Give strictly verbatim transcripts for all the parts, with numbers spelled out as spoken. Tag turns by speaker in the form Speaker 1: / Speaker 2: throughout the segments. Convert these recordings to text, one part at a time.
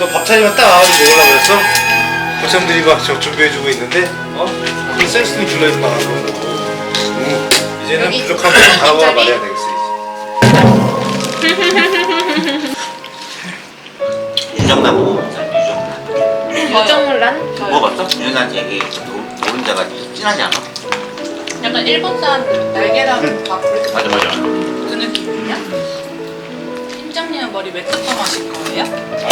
Speaker 1: 너 밥 차리면 딱 와가지고 먹으려고 그랬어? 고참들이 막 저 준비해주고 있는데 어? 그 센스는 줄여주고 나가고 음, 이제는 부족한 거 다가와 말해야 되겠어 이제.
Speaker 2: 유정란 먹어봤어? 유정란
Speaker 3: 유정란?
Speaker 2: 먹어봤어? 유정란 얘기 노른자가 진하지 않아?
Speaker 3: 약간 일본 사람들 날계란 밥 그렇게
Speaker 2: 맞아 맞아
Speaker 3: 그 느낌이냐? 팀장님은 머리 왜 뜯어마실 거예요?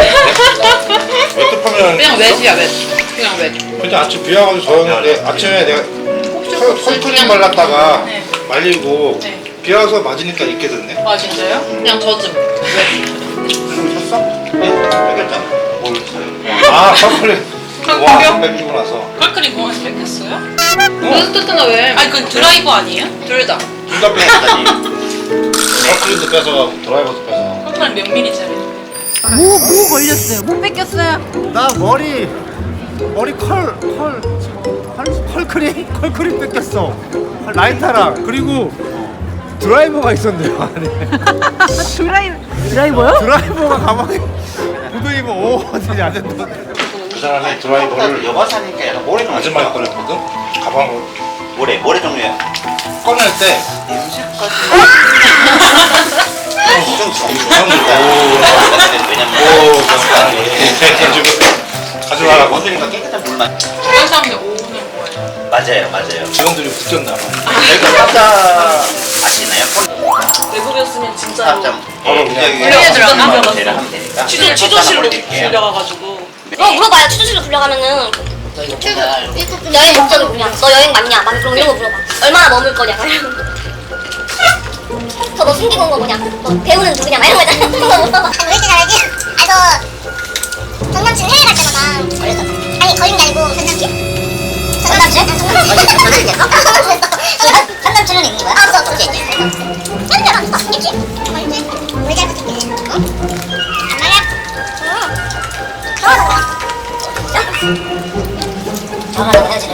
Speaker 1: 웹급하면
Speaker 3: 그냥 외지야 외지 그냥 외지
Speaker 1: 근데 아침 비 와가지고 저였는데 아침에 내가 설- 설크림 발랐다가
Speaker 3: 네.
Speaker 1: 말리고
Speaker 3: 네.
Speaker 1: 비 와서 맞으니까 있게 됐네.
Speaker 3: 아 진짜요? 그냥 젖음 외지
Speaker 1: 그리고 샀어?
Speaker 2: 네 뺏겼잖아 뭘 사요?
Speaker 1: 아 설크림
Speaker 3: 설크림?
Speaker 1: 와 뺏기고 나서
Speaker 3: 컬크림 공항에서 뺏겼어요?
Speaker 1: 어?
Speaker 3: 뜯잖아 왜? 아니 그 드라이버 아니에요? 둘다
Speaker 1: 둘 다 뺏겼다니. 설크림도 뺏어가고 드라이버도 뺏어.
Speaker 3: 컬크림 몇 밀리짜리?
Speaker 4: 뭐, 뭐 걸렸어요? 뭐 뺏겼어요?
Speaker 5: 나 머리 머리 컬, 컬, 컬, 컬크림? 컬크림 뺏겼어. 라이터랑 그리고 드라이버가 있었네요 안에.
Speaker 4: 드라이브, 드라이버요?
Speaker 5: 드라이버가 가방에 묻어있고 오 어디 안 됐던.
Speaker 1: 그 사람이 드라이버를
Speaker 2: 여가 사니까 약간 모래 종류
Speaker 1: 아줌마가 꺼냈거든? 가방을
Speaker 2: 모래 모래 종류야
Speaker 1: 꺼낼 때
Speaker 2: 좀
Speaker 1: 정리다.
Speaker 2: 왜냐면
Speaker 1: 오, 해가지고 가져가라고.
Speaker 2: 원숭이가 깨끗한 물만
Speaker 3: 다른 사람들 오후는 뭐예요?
Speaker 2: 맞아요 맞아요
Speaker 1: 직원들이 붙였나 봐.
Speaker 2: 여기가 탑자 아시나요?
Speaker 3: 외국이었으면 진짜
Speaker 2: 탑자
Speaker 1: 바로 그냥
Speaker 3: 물에 들어가면
Speaker 2: 대를 하면 되니까
Speaker 3: 취조, 취조실로 불려가가지고
Speaker 6: 어 물어봐요. 취조실로 불려가면은 여행 목적이 뭐냐? 너 여행 맞냐? 막 그런 이런 거 물어봐. 얼마나 머물 거냐? 저 너 숨기고 온 거 뭐냐? 너 배우는 누구냐? 막 이런 거 있잖아. 그런 거 물어봐. 왜 이렇게 잘하지? 아 저 전 남친 해외 갈 때마다 아니 거짓말 아니고 전 남친? 전 남친? 전 남친? 전 남친은 있는 거야? 아 그거 그게 있지. 전 남친 아 있지? 있지? 왜 잘 붙을게? 어? 안 말이야? 응. 결혼하자. 결혼하자고 헤어지래.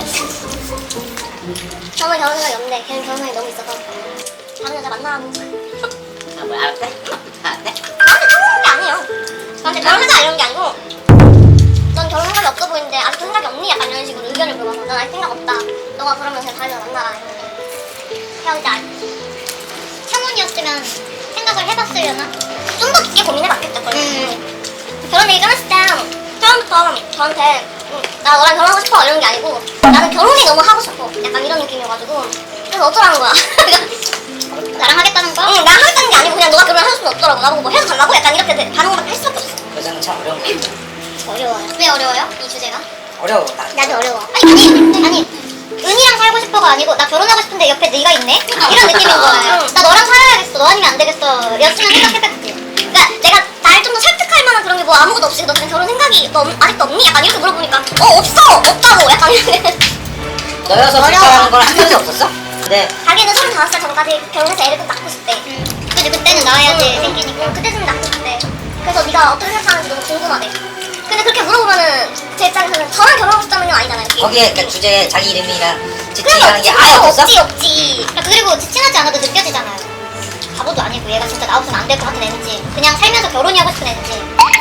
Speaker 6: 저는 결혼 생각이 없는데 걔는 결혼 생각이 너무 있어서 다른 여자 만나라고.
Speaker 2: 아 뭐야 알았대? 알았대?
Speaker 6: 저한테 결혼한 게 아니에요. 저한테 결혼하자 이런 게 아니고 넌 결혼 생각이 없어 보이는데 아직도 생각이 없니? 약간 이런 식으로 의견을 물어봐서 난 아직 생각 없다. 너가 그러면 그냥 다른 여자 만나라 이랬는데 헤어지자. 창훈이었으면 생각을 해봤으려나? 좀 더 깊게 고민해봤겠죠. 음. 결혼 얘기 끊었을 때 처음부터 저한테 응, 나 너랑 결혼하고 싶어 이런 게 아니고 나는 결혼이 너무 하고 싶어 약간 이런 느낌이어가지고 그래서 어쩌라는 거야. 나랑 하겠다는 거야? 응, 나랑 하겠다는 게 아니고 그냥 너가 결혼을 하고 싶으면 어쩌라고 나보고 뭐 해도 달라고 약간 이렇게 돼- 반응밖에 할 수밖에 없어.
Speaker 7: 여자는 참 어려운 거 같아.
Speaker 6: 어려워요. 왜 어려워요? 이 주제가?
Speaker 7: 어려워. 나.
Speaker 6: 나도 어려워. 아니 아니 아니 은이랑 살고 싶어가 아니고 나 결혼하고 싶은데 옆에 네가 있네? 이런 느낌인 거예요. 나 너랑 살아야겠어. 너 아니면 안 되겠어. 였으면 생각해봤지. 그러니까 내가 날 좀 더 설득할 만한 그런 게 뭐 아무것도 없이 너 그냥 결혼 생각이 너 아직도 없니? 약간 이렇게 물어보니까 어 없어 없다고 약간 이렇게.
Speaker 7: 너여서
Speaker 6: 어려워.
Speaker 7: 불쌍한 건 한 번도 없었어? 네.
Speaker 6: 자기는 서른다섯 살 전까지 결혼해서 애를 꼭 낳고 싶대. 그치 그때는 낳아야지 생기니까. 그때는 낳고 싶대. 그래서 네가 어떻게 생각하는지 너무 궁금하대. 근데 그렇게 물어보면은 제 입장에서는 저랑 결혼하고 싶다는 건 아니잖아요.
Speaker 7: 거기에 그러니까 주제에 자기 이름이랑
Speaker 6: 그런
Speaker 7: 지칭이라는 게
Speaker 6: 거
Speaker 7: 아예
Speaker 6: 없지,
Speaker 7: 없었어?
Speaker 6: 없지 없지. 그리고 지친하지 않아도 느껴지잖아요. 바보도 아니고 얘가 진짜 나 없으면 안 될 것 같은 애인지 그냥 살면서 결혼이 하고 싶은 애인지.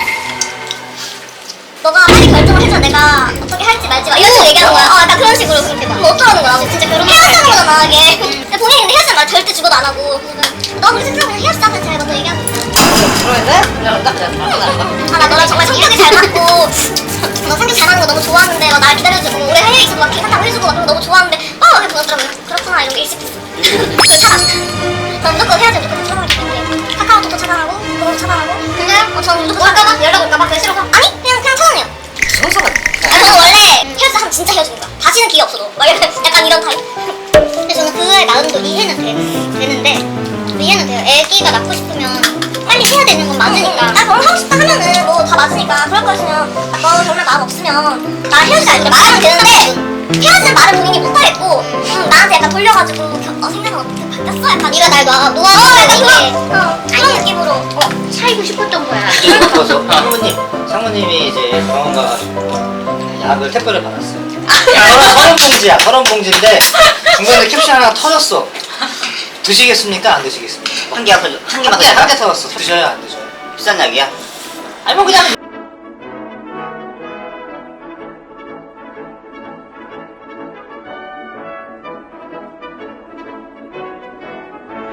Speaker 6: 너가 빨리 결정을 해줘. 내가 어떻게 할지 말지 막 이런 식으로 얘기하는 거야. 어 약간 그런 식으로 그렇게 막. 그럼 어쩌라는 거야. 진짜 결혼 헤어지는 거잖아 이게. 근데 본인이 근데 헤어지는 말 절대 죽어도 안 하고. 너 그렇게 생각하면 그냥 헤어지자 그냥 제가 먼저 얘기하는 거야.
Speaker 7: 그러는데? 그냥 깜짝 놀랐다.
Speaker 6: 아 나 너랑 정말 성격이 잘 맞고 너 성격 잘하는 거 너무 좋아하는데 막 날 기다려주고 오래 해외에 있어도 막 계산하고 해주고 막 그런 거 너무 좋아하는데 어 이렇게 보냈더라고요. 그렇구나 이런 게 일식했어. 그걸 차단. 전 무조건 헤어지면 무조건 차단하기 때문에 카카오톡도 차단하고 그것도 차단하고. 근데 어, 저는 무조건 할까봐 연락 올까봐 그게 싫어서 아니 그냥 그냥 차단해요.
Speaker 7: 성서가.
Speaker 6: 아 저는 원래 헤어지자 하면 진짜 헤어지는 거야. 다시는 기회 없어도 막 약간, 약간 이런 타입. 근데 저는 그의 마음도 이해는 되, 되는데 이해는 돼요. 애기가 낳고 싶으면 빨리 해야 되는 건 맞으니까. 나 결혼하고 싶다 하면은 뭐 다 맞으니까. 그럴 거였으면 너 결혼할 마음 없으면 나 헤어지자 이렇게 말하면 되는데 헤어지는 말을 본인이 못하겠고 음, 나한테 약간 돌려가지고 어, 생각은 어떻게 바뀌었어? 약간 네가 날 놔, 놓아서 어, 약간 그런, 어, 그런 느낌으로 어, 살고 싶었던 거야.
Speaker 7: 이거 봐서 상무님, 상무님이 이제 병원 가가지고 약을 택배를 받았어요. 서른, 서른 봉지야, 서른 봉지인데 중간에 캡슐 하나 터졌어. 드시겠습니까? 안 드시겠습니까?
Speaker 2: 한 개 앞에 한 개만
Speaker 7: 한
Speaker 2: 더
Speaker 7: 개,
Speaker 2: 줄까?
Speaker 7: 한 개 터졌어. 드셔요? 안 드셔요?
Speaker 2: 비싼 약이야?
Speaker 7: 아니 뭐 그냥